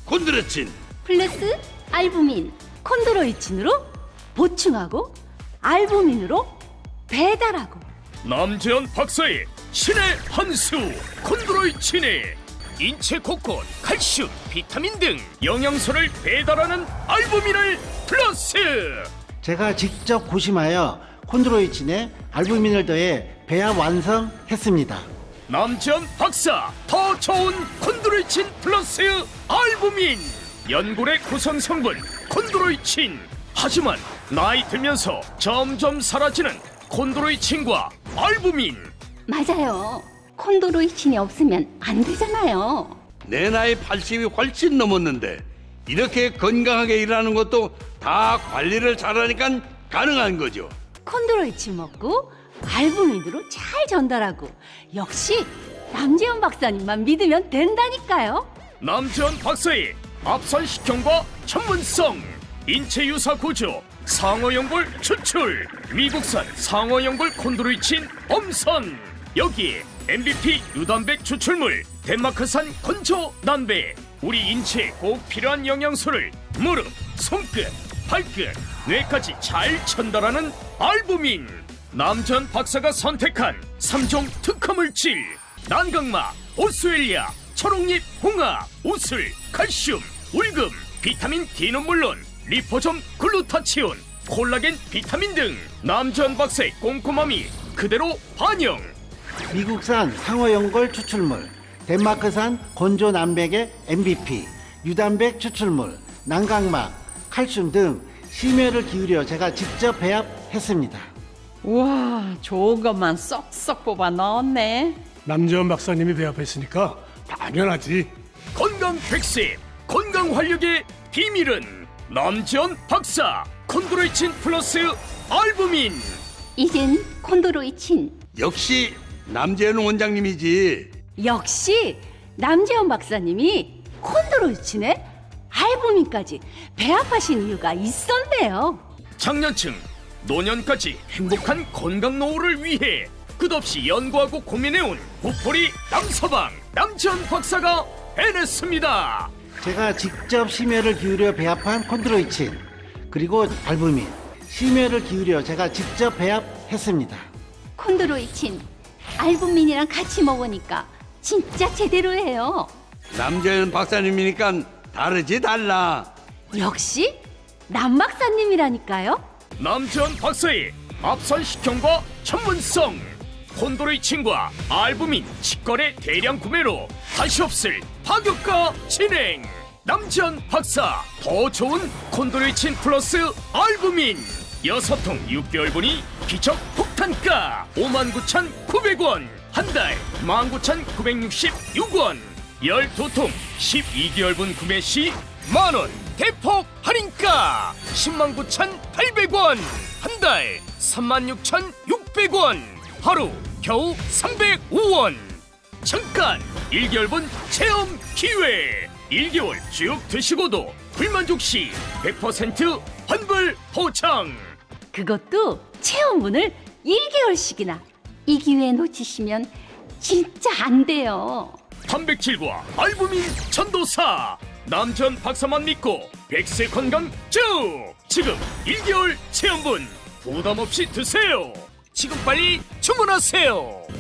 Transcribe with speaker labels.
Speaker 1: 콘드로이친.
Speaker 2: 플러스 알부민, 콘드로이친으로 보충하고 알부민으로 배달하고.
Speaker 3: 남재현 박사의 신의 한 수 콘드로이친이 인체 곳곳 칼슘, 비타민 등 영양소를 배달하는 알부민을 플러스.
Speaker 4: 제가 직접 고심하여 콘드로이친에 알부민을 더해 배합 완성했습니다.
Speaker 3: 남재현 박사 더 좋은 콘드로이친 플러스 알부민. 연골의 구성 성분 콘드로이친. 하지만 나이 들면서 점점 사라지는 콘드로이친과 알부민.
Speaker 2: 맞아요. 콘드로이친이 없으면 안 되잖아요.
Speaker 1: 내 나이 80이 훨씬 넘었는데 이렇게 건강하게 일하는 것도 다 관리를 잘하니까 가능한 거죠.
Speaker 2: 콘드로이친 먹고 알부민으로 잘 전달하고, 역시 남재현 박사님만 믿으면 된다니까요.
Speaker 3: 남재현 박사의 앞선 식형과 전문성, 인체 유사 구조, 상어연골 추출, 미국산 상어연골 콘드로이친 엄선, 여기에 MVP 유단백 추출물, 덴마크산 건조 난배, 우리 인체에 꼭 필요한 영양소를 무릎, 손끝, 발끝, 뇌까지 잘 전달하는 알부민. 남재현 박사가 선택한 3종 특허물질, 난강마, 오스웰리아, 초록잎, 홍합, 우슬, 칼슘, 울금, 비타민 D는 물론 리포점 글루타치온, 콜라겐, 비타민 등 남재현 박사의 꼼꼼함이 그대로 반영.
Speaker 4: 미국산 상어연골 추출물, 덴마크산 건조 남백의 MVP, 유단백 추출물, 난강막, 칼슘 등 심혈을 기울여 제가 직접 배합했습니다.
Speaker 5: 우와, 좋은 것만 쏙쏙 뽑아 넣었네.
Speaker 6: 남재현 박사님이 배합했으니까 당연하지.
Speaker 3: 건강 100세, 건강 활력의 비밀은 남재현 박사 콘드로이친 플러스 알부민.
Speaker 2: 이젠 콘드로이친,
Speaker 1: 역시 남재현 원장님이지.
Speaker 2: 역시 남재현 박사님이 콘드로이친에 알부민까지 배합하신 이유가 있었네요.
Speaker 3: 장년층, 노년까지 행복한 건강 노후를 위해 끝없이 연구하고 고민해온 부풀이 남서방 남재현 박사가 해냈습니다.
Speaker 4: 제가 직접 심혈을 기울여 배합한 콘드로이친, 그리고 알부민, 심혈을 기울여 제가 직접 배합했습니다.
Speaker 2: 콘드로이친, 알부민이랑 같이 먹으니까 진짜 제대로예요.
Speaker 1: 남재현 박사님이니까 다르지 달라.
Speaker 2: 역시 남 박사님이라니까요.
Speaker 3: 남재현 박사의 앞선 식형과 전문성, 콘드로이친과 알부민 직거래 대량 구매로 다시 없을 파격가 진행. 남재현 박사 더 좋은 콘드로이친 플러스 알부민 6통 6개월분이 기적 폭탄가 59,900원, 한 달 19,966원, 12통 12개월분 구매 시 만원 대폭 할인가 109,800원, 한 달 36,600원, 하루 겨우 305원. 잠깐 1개월분 체험 기회. 1개월 쭉 드시고도 불만족 시 100% 환불 보장.
Speaker 2: 그것도 체험분을 1개월씩이나. 이 기회 놓치시면 진짜 안 돼요.
Speaker 3: 단백질과 알부민 전도사 남재현 박사만 믿고 100세 건강 쭉. 지금 1개월 체험분 부담 없이 드세요. 지금 빨리 주문하세요.